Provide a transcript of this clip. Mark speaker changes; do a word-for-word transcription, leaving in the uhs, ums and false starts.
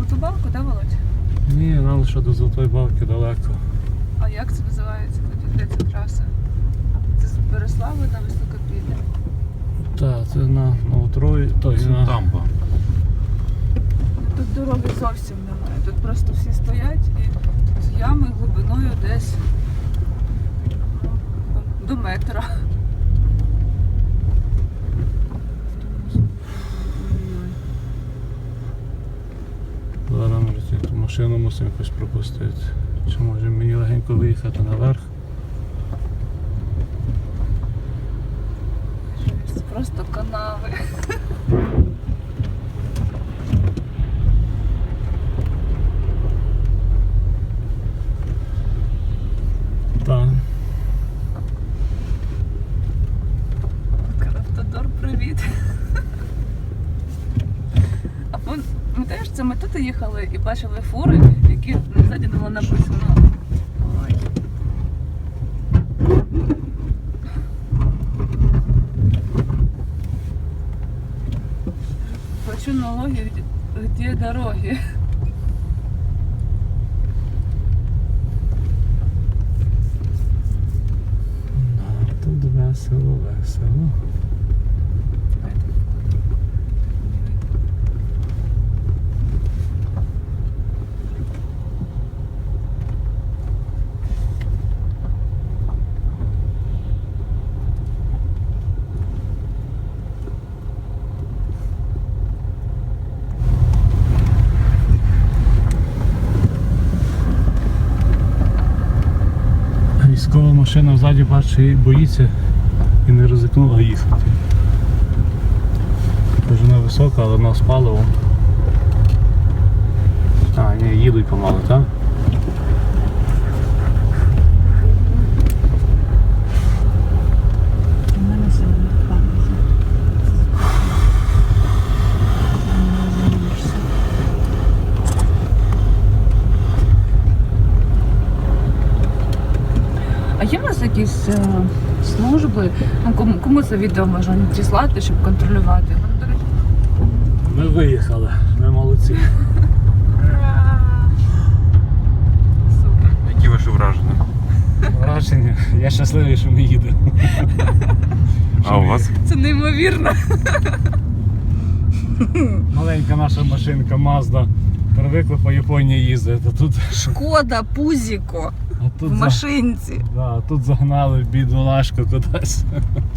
Speaker 1: Золоту Балку, да, Володь?
Speaker 2: Ні, нам лише до Золотої Балки далеко.
Speaker 1: А як це називається тоді, де ця траса? Це з Береслави на Високопілля?
Speaker 2: Так, це на Новотрої, той
Speaker 3: Це
Speaker 2: на...
Speaker 3: дамба.
Speaker 1: Тут дороги зовсім немає. Тут просто всі стоять і тут ями глибиною десь ну, до метра.
Speaker 2: Зараз ми ту машину мусимо якось пропустити. Чи може мені легенько виїхати наверх?
Speaker 1: Це просто канави.
Speaker 2: Так.
Speaker 1: Укравтодор, привіт. А пам'ятаєш, це ми тут їхали і бачили фури, які ззаді було написано. Ой. Хочу налоги, где дороги.
Speaker 2: Тут весело, весело. Військова машина ззаді, бачу, і боїться і не ризикнула їхати. Вона висока, але вона з паливом. А, ні, їдуть помалу, так?
Speaker 1: А є в нас якісь е, служби? Ну, кому, кому це відео можна надіслати, щоб контролювати? Ну, до речі,
Speaker 2: Ми виїхали, ми молодці.
Speaker 1: ура! Супер.
Speaker 3: Які ваші враження?
Speaker 2: Враження, я щасливий, що ми їдемо.
Speaker 3: А у вас?
Speaker 1: Це неймовірно.
Speaker 2: Маленька наша машинка Mazda привикла по Японії їздити, а тут,
Speaker 1: Шкода, пузіко
Speaker 2: а тут,
Speaker 1: в
Speaker 2: за-
Speaker 1: машинці.
Speaker 2: да, а тут загнали бідолашку кудись.